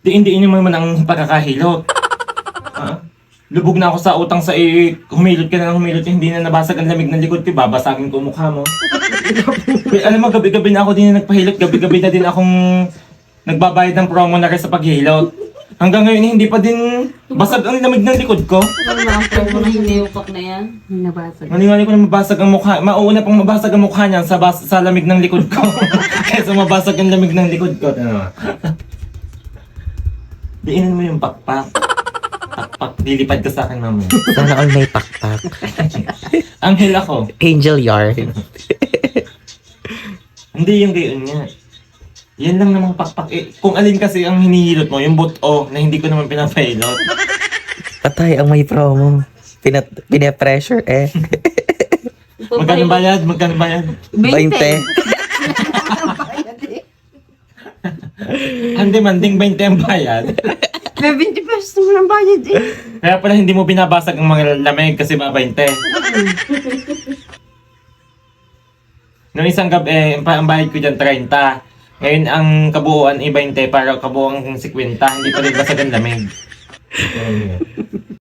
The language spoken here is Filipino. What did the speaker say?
Hindi naman ang pagkakahilot. Ha? Lubog na ako sa utang sa humilot ka na ng humilot, hindi na nabasag ang lamig ng likod ko, babasagin ko mukha mo. Alam mo, gabi-gabi na ako din na nagpahilot, gabi-gabi na din akong nagbabayad ng promo na rin sa paghilot. Hanggang ngayon, hindi pa din basag ang lamig ng likod ko. Ano na ang promo na hiniupak na yan? Nabasag. Maniwala ko na mabasag ang mukha. Mauuna pang mabasag ang mukha niyan sa lamig ng likod ko. Kaysa mabasag ang lamig ng likod ko. Ano? Diinan mo yung pakpak. Pakpak. Lilipad ka sa akin, mamaya. Sana all may pakpak. Anghel ako. Angel yarn. Hindi yung gayon niya. Yan lang namang pakpak. Kung alin kasi ang hinihilot mo, yung buto na hindi ko naman pinapailot. Patay ang may promo. Pinapressure eh. Magkano bayad? Magkano bayad? 20. Hindi manding 20 ang bayad. May 20 pesos naman ang bayad eh. Kaya pala hindi mo binabasag ang mga lamig kasi ba 20. Noong isang gabi, ang bayad ko dyan 30. Ngayon ang kabuuan ay 20 para kabuuan 50. Hindi pa rin basag ang lamig.